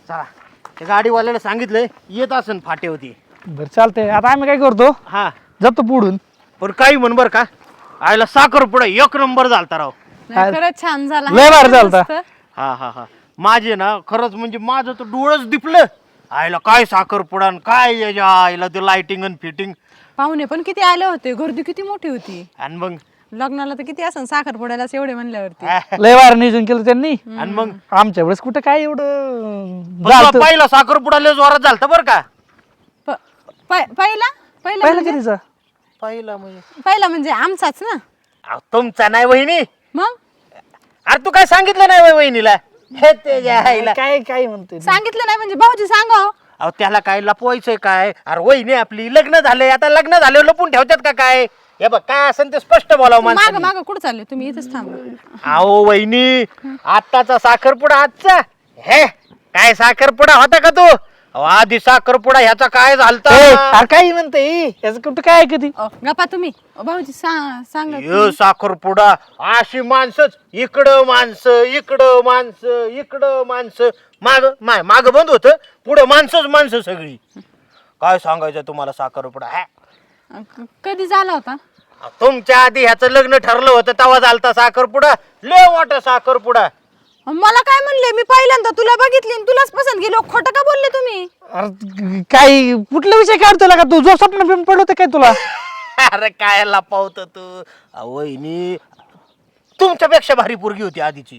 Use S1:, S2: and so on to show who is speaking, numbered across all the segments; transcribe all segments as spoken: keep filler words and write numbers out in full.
S1: चला त्या गाडीवाल्याला सांगितलंय येत असन फाटे होती.
S2: बरं चालतंय. आता आम्ही काय करतो,
S1: हा
S2: जातो पुढून.
S1: पण काही म्हण बर का, आयला साखरपुडा एक नंबर झालता राव.
S3: नाही, खरंच छान झाला.
S2: लय भारी झालता.
S1: हा हा हा माझे ना खरंच म्हणजे माझं तर डोळंच दिपलं. आयला काय साखरपुडा न काय याच्या आईला ते लाइटिंग आणि फिटिंग.
S3: पाहुणे पण किती आले होते, गर्दी किती मोठी होती.
S1: आणि मग
S3: लग्नाला तर किती असं साखरपुड्यालाच एवढे म्हणल्यावरती.
S2: लय वार नियोजन केलं त्यांनी.
S1: आणि मग
S2: आमच्या वेळेस कुठं काय एवढं
S1: पण
S2: झालतं.
S1: तुला पहिला साखरपुडा लय जोरात झालता बर का.
S3: प- प- पहिला पहिला
S2: पहिला
S3: म्हणजे-
S2: कधीचा?
S1: पहिला म्हणजे
S3: पहिला म्हणजे आमचाच ना.
S1: अहो, तुमचा नाही वहिनी.
S3: मग
S1: अरे तू काय सांगितलं नाही वय वहिनीला? हे त्याच्या आईला
S2: काय काय म्हणते
S3: सांगितलं नाही म्हणजे भाऊजी सांगा.
S1: अहो त्याला काय लपवायचंय काय? अरे वहिनी आपली लग्न झालंय, आता लग्न झाल्यावर लपून ठेवतात का काय? हे बघ काय असेल ते स्पष्ट बोलावं
S3: माग
S1: माणसाने.
S3: माग कुठं चालले तुम्ही? इथेच थांबा.
S1: अहो वहिनी आत्ताचा साखरपुडा आजचा हे काय साखरपुडा होता का तू? अहो, आधी साखरपुडा ह्याचा काय झालता?
S2: अरे काय म्हणते याचं कुठं काय कधी?
S3: अ, गप्पा तुम्ही. अ, भाऊजी सा- सांगा
S1: यो साखरपुडा अशी माणसंच, इकडं माणसं इकडं माणसं इकडं माणसं, माग माय माग बंद होत, पुढं माणसंच माणसं सगळी. काय सांगायचं तुम्हाला साखरपुडा? हा
S3: अ, क- कधी झाला होता?
S1: तुमच्या आधी ह्याचं लग्न ठरलं होतं तेव्हा झालता साखरपुडा. लय मोठा साखरपुडा.
S3: अ, मला काय म्हणले? मी पहिल्यांदा तुला बघितली आणि तुलाच पसंत गेलो. खोटं का बोलले तुम्ही?
S2: अरे काय कुठला विषय काढतो का तू? जो स्वप्न बिम पडलं काय तुला?
S1: अरे काय लपावत तू? अहो, वहिनी तुमच्यापेक्षा भारी पोरगी होती आधीची.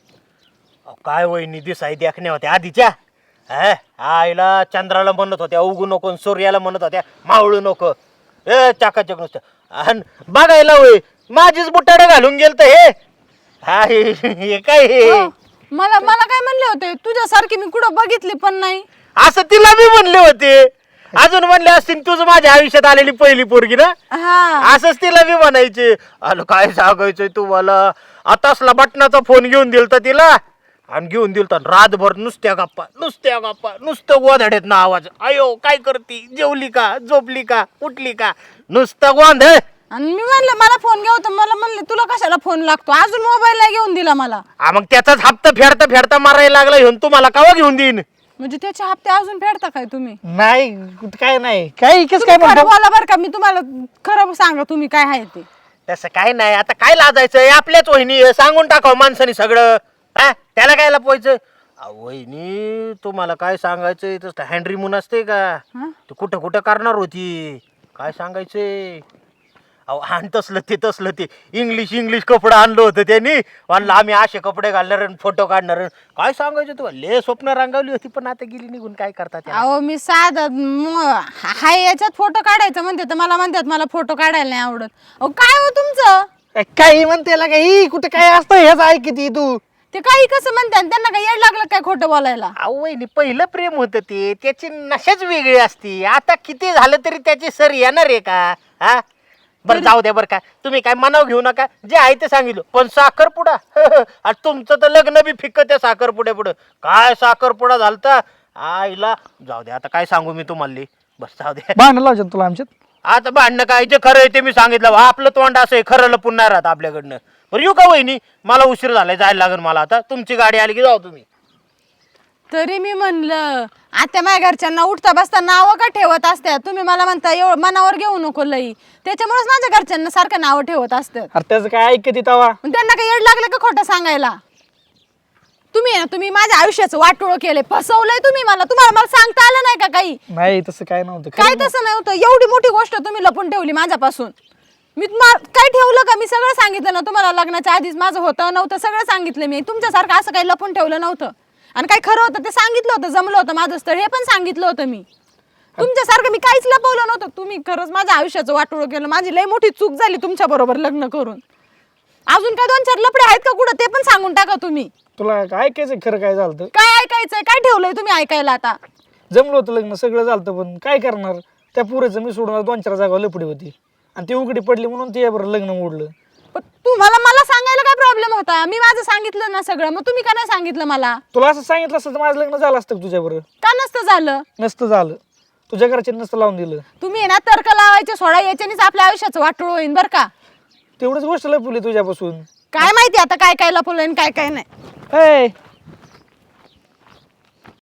S1: अहो, काय वहिनी दिसाई देखण्या होत्या आधीच्या. हा, आईला चंद्राला म्हणत होत्या उगू नको, सूर्याला म्हणत होत्या मावळू नको. ए चाकाचक नुसतं. आणि बघायला होय माझीच बुटाडे घालून गेलत हे. हा हे हे काय हे?
S3: हो. मला मला काय म्हणले होते? तुझ्यासारखी मी कुठं बघितली पण नाही.
S1: असं तिला बी म्हणले होते. अजून म्हणले असतील तुझं माझ्या आयुष्यात आलेली पहिली पोरगी ना,
S3: हा
S1: असंच तिला बी म्हणायचे. अरे काय सांगायचंय तुम्हाला, आतासला बटनाचा फोन घेऊन दिलता तिला आणि घेऊन दिलता रातभर नुसत्या गप्पा नुसत्या गप्पा नुसतं गोंधळेत ना आवाज. अयो काय करती, जेवली का, झोपली का, उठली का, नुसतं गोंधळ.
S3: आणि मी म्हणलं मला फोन घ्या होता. मला म्हणले तुला कशाला फोन लागतो? अजून मोबाईल नाही घेऊन दिला मला.
S1: हा, मग त्याचाच हप्ता फेडता फेडता मारायला लागला घेऊन. तुम्हाला कावा घेऊन देईन?
S3: म्हणजे त्याचे हप्ते अजून फेडता काय तुम्ही?
S2: नाही कुठं काय नाही. काय कस
S3: तुम्ही
S2: काय
S3: खरं
S2: म्हणतो?
S3: बोला बरं का. मी तुम्हाला खरं सांगा तुम्ही काय आहे ते.
S1: तसं काय नाही. आता काय लाजायचं, आपल्याच वहिनी आहे, सांगून टाकावं माणसाने सगळं. हा त्याला काय लपवायचं? अहो, वहिनी तुम्हाला काय सांगायचंय, तसं हँड्री मून असते का,
S3: हा?
S1: तू कुठं कुठं करणार होती, काय सांगायचंय. अहो आणि तसलं ते तसलं ते इंग्लिश इंग्लिश कपडे आणलं होतं त्यांनी. म्हणलं आम्ही असे कपडे घालणार फोटो काढणार. काय सांगायचं तुला, ले स्वप्न रंगावली होती पण आता गेली निघून. काय करतात त्याला?
S3: अहो मी साधा म- हाय याच्यात फोटो काढायचं म्हणते तर मला म्हणतात मला फोटो काढायला नाही आवडत. अहो काय हो तुमचं?
S2: काही म्हणते का ही कुठं काय असतं ह्याच ऐकती तू?
S3: ते काही कसं म्हणतात, त्यांना काय येड लागलं काय खोटं बोलायला?
S1: अहो वहिनी पहिलं प्रेम होतं ते, त्याची नशाच वेगळी असती. आता किती झालं तरी त्याची सर येणार आहे का? हा बरं जाऊ द्या बरं का, तुम्ही काय मनाव घेऊ नका, जे आहे ते सांगितलं. पण साखरपुडा आणि तुमचं तर लग्न बी फिक्क त्या साखरपुड्या पुढं. काय साखरपुडा झालता आईला. जाऊ द्या आता काय सांगू मी तुम्हाला. बस जाऊ द्या.
S2: भांडण लावशात तुला आमच्यात?
S1: आता भांडणं काय, जे खरं आहे ते मी सांगितलं. आपलं तोंड असं आहे, खरं लपून नाही राहत आपल्याकडनं. बरं येऊ का वहिनी, मला उशीर झालाय, जायला लागेल मला आता. तुमची गाडी आली की जाऊ तुम्ही.
S3: तरी मी म्हणलं आता माझ्या घरच्यांना उठता बसता नावं का ठेवत असतात? तुम्ही मला म्हणता एवढं मनावर घेऊ नको लई. त्याच्यामुळेच माझ्या घरच्यांना सारखं नावं ठेवत असतात.
S2: अरे त्याचं काय ऐकती तवा?
S3: पण त्यांना काही येड लागलं का खोटं सांगायला? तुम्ही आहे ना, तुम्ही माझ्या आयुष्याचं वाटोळं केलंय, फसवलंय तुम्ही मला. तुम्हाला मला सांगता आलं नाही का काही?
S2: नाही तसं काय नव्हतं.
S3: काय तसं नव्हतं. एवढी मोठी गोष्ट तुम्ही लपून ठेवली माझ्यापासून. मी तुम्हाला काय ठेवलं का? मी सगळं सांगितलं ना तुम्हाला. लग्नाच्या आधीच माझं होतं नव्हतं सगळं सांगितलं मी. तुमच्यासारखं असं काही लपून ठेवलं नव्हतं. आणि काय खरं होतं ते सांगितलं होतं. जमलं होतं माझं स्थळ हे पण सांगितलं होतं मी. तुमच्यासारखं मी काहीच लपवलं नव्हतं. तुम्ही खरंच माझ्या आयुष्याचं वाटोळं केलं. माझी लई मोठी चूक झाली तुमच्या बरोबर लग्न करून. अजून काय दोन चार लपडे आहेत का कुठं ते पण सांगून टाका तुम्ही.
S2: तुला काय ऐकायचं खरं काय झालं?
S3: काय ऐकायचंय? काय ठेवलंय तुम्ही ऐकायला आता?
S2: जमलं होतं लग्न सगळं झालं, पण काय करणार? त्या पुरेचं मी सोडून दोन चार जागा लपडी होती आणि ती उघडी पडली म्हणून ते बरं लग्न मोडलं.
S3: पण तुम्हाला मला सांगायला काय प्रॉब्लेम होता? मी माझं सांगितलं ना सगळं, मग तुम्ही का नाही सांगितलं मला?
S2: तुला असं सांगितलं असतं तर माझं लग्न झालं असतं तुझ्या बरोबर.
S3: का नसतं झालं?
S2: नसतं झालं. तुझ्या घरचे नसतं लावून दिलं.
S3: तुम्ही आहे ना तर्क लावायचे सोडा, याच्यानेच आपल्या आयुष्याचं वाटोळ होईन बरं का.
S2: तेवढंच गोष्ट लपवली तुझ्यापासून.
S3: काय माहिती आता काय काय लपवलंय आणि काय काय नाही.
S2: ए